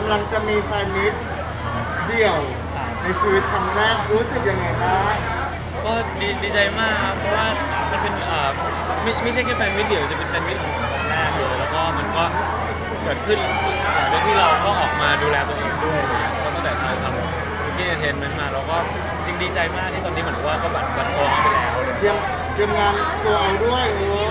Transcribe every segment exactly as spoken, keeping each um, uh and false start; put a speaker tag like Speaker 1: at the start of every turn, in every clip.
Speaker 1: ำลังจะมีแฟนมิตเดี่ยวในชีวิตครั้งแรกรู้สึกยังไงบ้าง
Speaker 2: ก็ดีดีใจมากครับเพราะว่ามันเป็นเอ่อไม่ไม่ใช่แค่แฟนมิตรเดี่ยวจะเป็นแฟนมิตรของผมครั้งแรกเลยแล้วก็มันก็เกิดขึ้นหลังจากที่เราก็ออกมาดูแลตัวเองด้วยก็ตั้งแต่เราทำธุรกิจเอนเตอร์เทนเมนต์มาเราก็จริงดีใจมากที่ตอนนี้เหมือนว่าก็บัตรบัตรโซลไปแล้ว
Speaker 1: เตรียมเตรียมงานโซลด้วยโอ้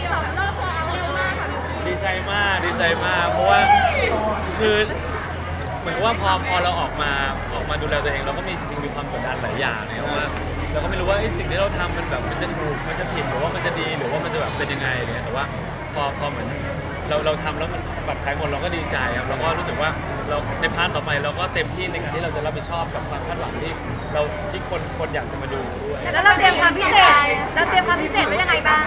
Speaker 2: ดีใจมากดีใจมากเพราะว่าคือเหมือนว่าพอพอเราออกมาออกมาดูแลตัวเองเราก็มีจริงมีความกดดันหลายอย่างเนี่ยว่าเราก็ไม่รู้ว่าสิ่งที่เราทำมันแบบมันจะถูกมันจะผิดหรือว่ามันจะดีหรือว่ามันจะแบบเป็นยังไงเนี่ยแต่ว่าพอพอเหมือนเราเราทำแล้วมันบัตรขายหมดเราก็ดีใจครับเราก็รู้สึกว่าเราในพาร์ทต่อไปเราก็เต็มที่ในการที่เราจะรับผิดชอบกับความคาดหวังที่เราที่คนคนอยากจะมาดูด้วย
Speaker 3: แล้วเราเตรียมความพิเศษเราเตรียมความพิเศษไว้ยังไงบ้าง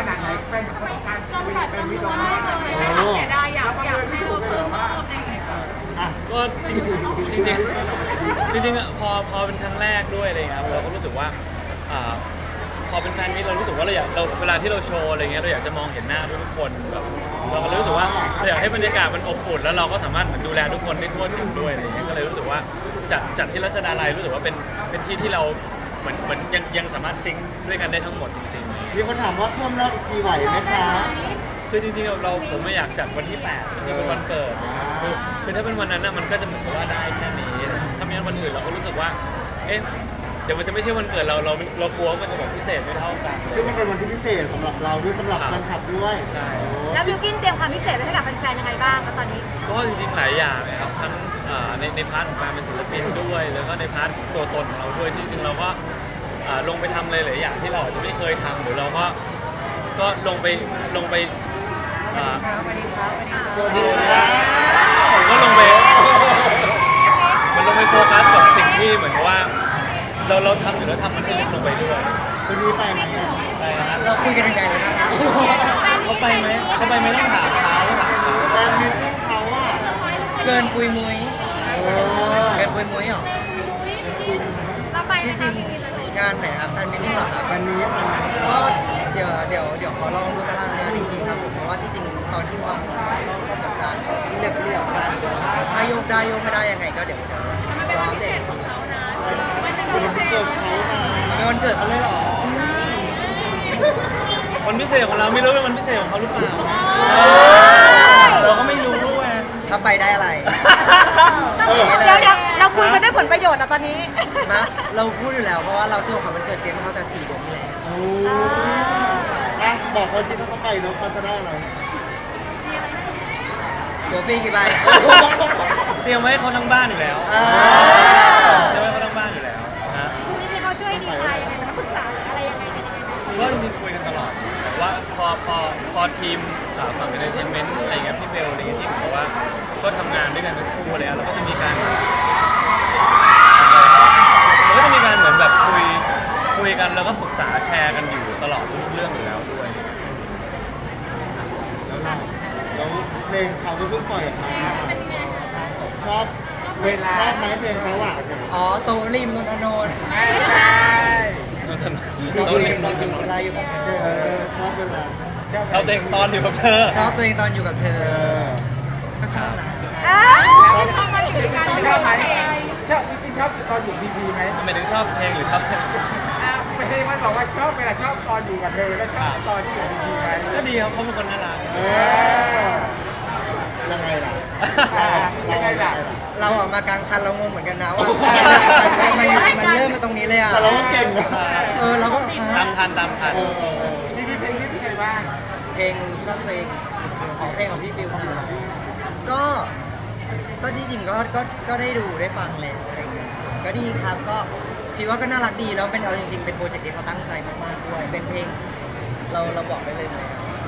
Speaker 1: โอ้
Speaker 3: เสียดายอยากอยากให้เราเพิ่ม
Speaker 2: ก็จริงจริงจริงจริงๆพอพอเป็นครั้งแรกด้วยอะไรเงี้ยเราก็รู้สึกว่าพอเป็นแฟนมิตรเรารู้สึกว่าเราอยากเราเวลาที่เราโชว์อะไรเงี้ยเราอยากจะมองเห็นหน้าทุกคนแบบเราก็รู้สึกว่าเราอยากให้บรรยากาศมันอบอุ่นแล้วเราก็สามารถดูแลทุกคนได้ทั่วถึงด้วยอะไรเงี้ยก็เลยรู้สึกว่าจัดจัดที่รัชดาลัยรู้สึกว่าเป็นเป็นที่ที่เราเหมือนเหมือนยังยังสามารถซิงค์ด้วยกันได้ทั้งหมดจริงๆ
Speaker 1: มีคนถามว่าเพิ่มรอบอีกทีไหวไหมคะ
Speaker 2: คือจริงๆเราผมไม่อยากจัดวันที่แปดที่เป็นวันเกิดคือคือถ้าเป็นวันนั้นน่ะมันก็จะเหมือนกับว่าได้แค่นี้ถ้าไม่งั้นวันอื่นเราก็รู้สึกว่าเอ๊ะเดี๋ยวมันจะไม่ใช่วันเกิดเราเราเรากลัวมันจะแบบพิเศษไม่เท่ากัน
Speaker 1: ซึ่งมันเป็นวันที่พิเศษสำหรับเราด้วยสำหรับแฟนคลับด้วย
Speaker 2: ใช่
Speaker 3: แล้วบิวกินเตรียมความพิเศษไว้ให้กับแฟนๆยังไงบ้างตอนนี้
Speaker 2: ก็จริงๆหลายอย่างเลยครับทั้งในในพาร์ทของการเป็นศิลปินด้วยแล้วก็ในพาร์ทตัวตนของเราด้วยที่จริงเราก็ลงไปทำเลยหลายอย่างที่เราอาจจะไม่เคยทำหรือเราก็ก็ลงไปลงไป
Speaker 1: สวัสดีครับ
Speaker 2: ผมก็ลงไปมันลงไปโฟกัสกับสิ่งที่เหมือนว่าเราเราทำอยู่แล้วทำมันให้ลงไปด้วย
Speaker 1: คุณนี้ไปไหม
Speaker 2: ไปนะ
Speaker 1: เราคุยกันยังไงนะครับ
Speaker 2: เขาไปไหมเขาไปไหมต้องถามเขาถามเขา
Speaker 1: แฟนมิตติ้งเขาอ่ะ
Speaker 4: เกินปุยมุ้ยเกินปุยมุ้ยหรอจริงๆงานไหนครับแฟนมิตติ้งหรอครับ
Speaker 1: วันนี้
Speaker 4: ก็เดี๋ยวเดี๋ยวเดี๋ยวขอลองดูตารางงานจริงๆครับผมเพราะว่าที่จริงตอนที่วางก็จะจะเรียบเรียบกันถ้าโยกได้โยกไม่ได้ยังไงก็เดี๋ยวรอเด็ก
Speaker 1: เป็นวันเกิดเขา
Speaker 4: เป็นวันเกิดเขาเลยหรอ
Speaker 2: วันพิเศษของเราไม่รู้เป็นวันพิเศษของเขาหรือเปล่าเราก็ไม่รู้ด้วย
Speaker 4: ถ้าไปได้อะไร
Speaker 3: เดี๋ยวเดี๋ยวเราคุยกันได้ผลประโยชน์อะตอนนี้
Speaker 4: นะเราพูดอยู่แล้วเพราะว่าเราซื้อของวันเกิดเตรียมเขาแต่สี่เดือนที่แล้ว
Speaker 1: โอ้อ่ะบอกเขาสิถ้าเขาไปแล้วเขาจะได้อะไร
Speaker 4: ตัวฟรีกี่ใบ
Speaker 2: เตรียมไว้เขาทั้งบ้านอยู่แล้วเตรียมไว้เขาทั้งบ้านอยู่แล้วนะ
Speaker 3: จริงๆเขาช่วยดีไซน์ยังไงมันปรึกษาหรืออะไรยังไงเป็นยังไงไหม
Speaker 2: ก็จริงๆคุยกันตลอดแต่ว่าพอพอพอทีมฝั่งเอนเตอร์เทนเมนต์อะไรเงี้ยพี่เบลอะไรเงี้ยที่บอกว่าก็ทำงานด้วยกันเป็นคู่อะไรแล้วก็จะมีการก็จะมีการเหมือนแบบคุยคุยกันแล้วก็ปรึกษาแชร์กันอยู่ตลอดทุกเรื่องอยู่แล้วด้วย
Speaker 1: แล้วเราแล้วเพลงเขาก็เพิ่งปล่อยออกมาชอบเวลาชอบไหมเพลงเขาอ่ะ
Speaker 4: อ๋อโตริมนนทน
Speaker 1: ใช่ใช่
Speaker 4: โตริมตอนอยู่เวลาอยู่กับเธอ
Speaker 1: ชอบเวลา
Speaker 2: ชอบตัวเองตอนอยู่กับเธอ
Speaker 4: ชอบตัวเองตอนอยู่กับเธอก็ชอบนะ
Speaker 3: ชอบมาอยู่ด้วยกันชอบไหม
Speaker 1: ชอบจริงๆชอบตอนอยู่พีพีไหม
Speaker 2: ทำไมถึงชอบเพลงหรือชอบเพลง
Speaker 1: เพลงมันบอกว่าชอบเวลาชอบตอนอยู่กับเธอแล้วชอบตอนที่อยู่พีพีไหม
Speaker 2: ก็ดีครับเขาเป็นคนน่ารัก
Speaker 1: ยังไงล่ะยังไงล่ะ
Speaker 4: เราออกมากลางคันเรางงเหมือนกันนะว่าทำไมมันเริ่มมาตรงนี้เลยอ่ะ
Speaker 1: แต่เราก็เก่งนะ
Speaker 4: เออเราก็
Speaker 2: ตามทันตามทัน
Speaker 1: พี่พี่เพลงนี้เป็นไงบ้าง
Speaker 4: เพลงชอบเพลงของเพลงของพี่บิวก็ก็ที่จริงก็ก็ก็ได้ดูได้ฟังแล้วอะไรอย่างเงี้ยก็ดีครับก็พี่ว่าก็น่ารักดีแล้วเป็นเอาจริงๆเป็นโปรเจกต์ที่เขาตั้งใจมากๆด้วยเป็นเพลงเราเราบอกได้เลยไหม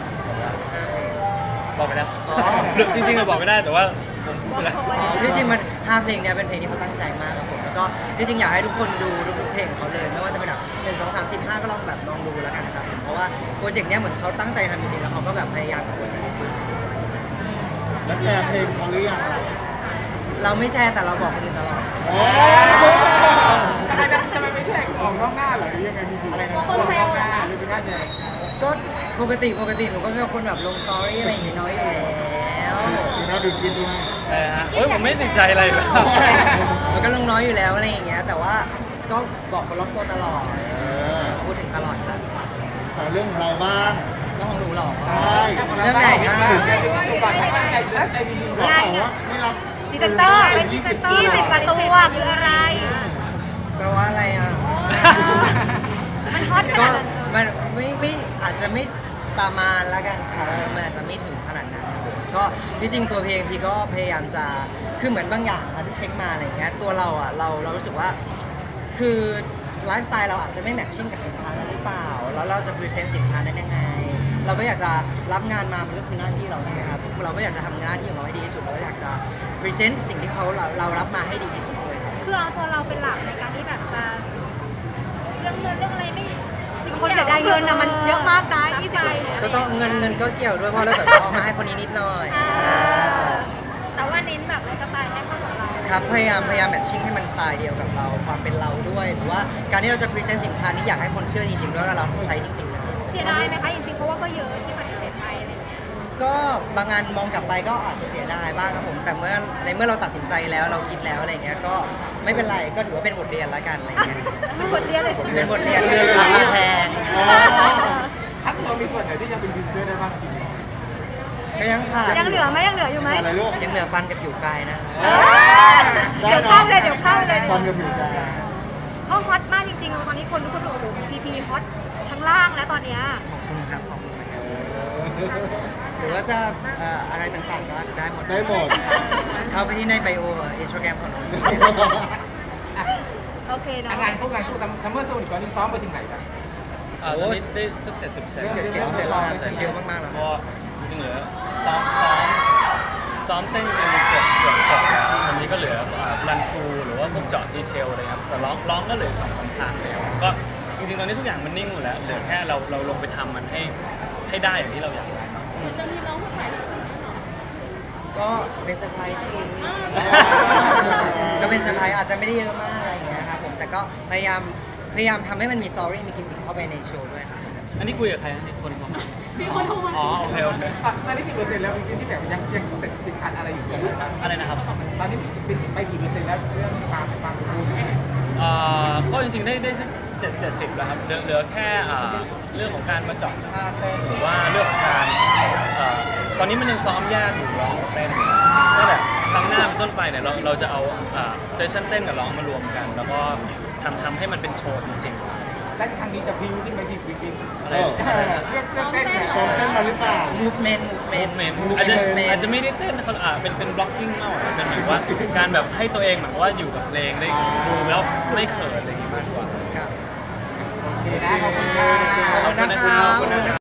Speaker 2: บอกไปแล้วจริงๆเราบอกไม่ได้แต่ว่าผมพูดไปแล้ว
Speaker 4: ที่จริงมันห้าเพลงเนี้ยเป็นเพลงที่เขาตั้งใจมากครับผมแล้วก็ที่จริงอยากให้ทุกคนดูทุกเพลงของเขาเลยไม่ว่าจะเป็นแบบหนึ่งสองสามสิบห้าก็ลองแบบลองดูแล้วกันนะครับเพราะว่าโปรเจกต์เนี้ยเหมือนเขาตั้งใจทำจริงๆแล้วเขาก็แบบพยายามกับโปรเจกต์นี้
Speaker 1: แล้วแชร์เพลงเขาหรือยัง
Speaker 4: เราไม่แชร์แต่เราบอกคนอื่นตลอด
Speaker 1: ทำไมทำไมไม่แชร์ออกนอกหน้าเหรอหรือยังไงมีอะไรนะออกนอกหน้าหรือเป็นการแชร์
Speaker 4: ก็ปกติปกติหนูก็เป็นคนแบบลงสตอรี่อะไรอย่างงี้น้อยอยู่แล้ว
Speaker 1: เราดูกินด้วย
Speaker 2: เออฮะโอ้ยผมไม่ติดใจอะไรเลยครับ
Speaker 4: มันก็ลงน้อยอยู่แล้วอะไรอย่างเงี้ยแต่ว่าก็บอกคนรอบตัวตลอด
Speaker 1: เออ
Speaker 4: พูดถึงตลอดครับ
Speaker 1: แต่เรื่องของเราบ้าง
Speaker 4: เรื่องของหนูหรอ
Speaker 1: ใช่
Speaker 4: เรื่องใหญ่มาก
Speaker 1: ได้ข่าวว่าไม่รับ
Speaker 3: พรีเซนเตอร์เป็นพรีเซนเตอร์ยี่สิบกว่าตัวคืออะไร
Speaker 4: แปลว่าอะไรอ่ะ
Speaker 3: มันฮอตข
Speaker 4: ก็
Speaker 3: นาดนั้น
Speaker 4: มันไม่ไม่อาจจะไม่ประมาณละกันครับมันอาจจะไม่ถึงขนาดนั้นครับผมก็ที่จริงตัวเพลงพี่ก็พยายามจะคือเหมือนบางอย่างครับที่เช็คมาอะไรเงี้ยตัวเราอ่ะเราเรารู้สึกว่าคือไลฟ์สไตล์เราอาจจะไม่แมทชิ่งกับสินค้านั้นหรือเปล่าแล้วเราจะพรีเซนต์สินค้านั้นยังไง เราก็อยากจะรับงานมามันก็คือหน้าที่เราใช่ไหมครับเราก็อยากจะทำหน้าที่ของเราให้ดีที่สุดเราก็อยากจะพรีเซนต์สิ่งที่เขาเราเรารับมาให้ดีที่สุดเลยครับ
Speaker 5: คือเอาตัวเราเป็นหลักในการที่แบบจะเรื่องเงินเรื่องอะไรไม่
Speaker 3: บางคนเสียดายเงินนะมันเยอะมากนะยี่สิบ
Speaker 4: ก็ต้องเงินเงินก็เกี่ยวด้วยเพราะเราแต่เราเอามาให้คนนี้นิดหน่อย
Speaker 5: อ่าแต่ว่าเน้นแบบไลฟ์สไตล์ให้เข้ากับเรา
Speaker 4: ครับพยายามพยายามแมทชิ่งให้มันสไตล์เดียวกับเราความเป็นเราด้วย หรือว่าการที่เราจะพรีเซนต์สินค้านี้อยากให้คนเชื่อจริงๆด้วยว่าเราใช้จริงๆนะ
Speaker 5: เสียดายไหมคะจริงๆเพราะว่าก็เยอะที่ปฏิเสธไปอะไรอย่างเงี้ย
Speaker 4: ก็บางงานมองกลับไปก็อาจจะเสียดายบ้างครับผมแต่เมื่อในเมื่อเราตัดสินใจแล้วเราคิดแล้วอะไรเงี้ยก็ไม่เป็นไรก็ถือว่าเป็นบทเรียนละกันอะไรเงี้ย
Speaker 3: มันบทเรียนเลย
Speaker 4: เป็นบทเรียนราคาแพง
Speaker 1: ทักตัวมีส่วนไหนที่ยังเป็นดิจิทัลได้บ้าง
Speaker 4: ก็ยังขาด
Speaker 3: ยังเหลือไหมยังเหลืออยู่ไหม
Speaker 1: อะไรลูก
Speaker 4: ยังเหลือฟันกับผิวกายนะ
Speaker 3: เดี๋ยวเข้าเลยเดี๋ยวเข้าเลย
Speaker 1: ตอนกับผิวกาย
Speaker 3: เพราะฮอตมากจริงๆตอนนี้คนทุกคนบอกโอ้โหพีพีฮอตทั้งล่างแล้วตอนเนี้ย
Speaker 4: ขอบคุณครับขอบคุณนะครับหรือว่าจะเอ่ออะไรต่างๆก็ได้หมด
Speaker 1: ได้หมด
Speaker 4: เข้าไปที่ในไบโออินสตาแกรมของเรา
Speaker 3: โอเคเนาะ
Speaker 6: งานพวกงานพวกซัมเมอร์โซนิกตอนนี้ซ้อมไปถึงไหนครับ
Speaker 2: อ่าตอนนี้ได้สักเจ็ดสิบเปอร์เซ็นต์
Speaker 4: เจ็ดสิบเปอร์เซ็นต์แล้วครับเยอะมากๆแล้ว
Speaker 2: ก็จริงๆเหลือซ้อมซ้อมซ้อมเต้นเป็นเกือบเกือบจบแล้วตอนนี้ก็เหลือรันทรูหรือว่าพวกเจาะดีเทลอะไรครับแต่ร้องร้องก็เหลือสองสามทางแล้วก็จริงๆตอนนี้ทุกอย่างมันนิ่งหมดแล้วเหลือแค่เราเราลงไปทำมันให้ให้ได้อย่างที่เราอยากได้
Speaker 5: เหมือนจะมีร้องผู้ชายหรอ
Speaker 4: ก็เป็นเซอร์ไพรส์สิก็เป็นเซอร์ไพรส์อาจจะไม่ได้เยอะมากอะไรอย่างเงี้ยครับผมแต่ก็พยายามพยายามทำให้มันมีสตอรี่มีกิมมิคเข้าไปในโชว์ด้วยครับ
Speaker 2: อันนี้คุยกับใครนะนี่คนของ
Speaker 5: มีคนโทรมา
Speaker 2: อ๋อโอเคโอเค
Speaker 6: ตอนนี้กี่เปอร์เซ็นต์แล้วจริงๆที่แบบยังยังติดติดขัดอะไรอยู่บ้าง
Speaker 2: อะไรนะครับ
Speaker 6: ตอนนี้เป็นไปกี่เปอร์เซ็นต์แล้วเรื่องความความสมบูรณ์
Speaker 2: เอ่อก็จริงๆได้ได้สักเจ็ดเจ็ดสิบแล้วครับเหลือเหลือแค่อ่าเรื่องของการมาเจาะท่าเต้นหรือว่าเรื่องของการเอ่อตอนนี้มันยังซ้อมแยกอยู่ร้องกับเต้นอยู่ก็แบบครั้งหน้าเป็นต้นไปเนี่ยเราเราจะเอาเซสชั่นเต้นกับร้องมารวมกัน แล้วก็ทำทำให้มันเป็นโชว์จริง
Speaker 6: และครั้งนี้จะพิวขึ้นไปที่ฟิลิปปินส์
Speaker 2: ๆอะไร
Speaker 6: เรื่องเรื่องเต้นเนี่ย
Speaker 1: ซ้อมเต้นมาหรือเปล่า
Speaker 4: movement movement
Speaker 2: เมนอาจจะอาจจะไม่ได้เต้นนะครับอ่าเป็นเป็นบล็อกกิ้งมากกว่าเป็นเหมือนว่าการแบบให้ตัวเองเหมือนว่าอยู่กับเพลงได้ดูแล้วไม่เขินอะไรอย่างงี้มากกว่า
Speaker 4: ครับ
Speaker 6: โอเคนะขอบคุณครับ
Speaker 2: ขอบคุณนะครับ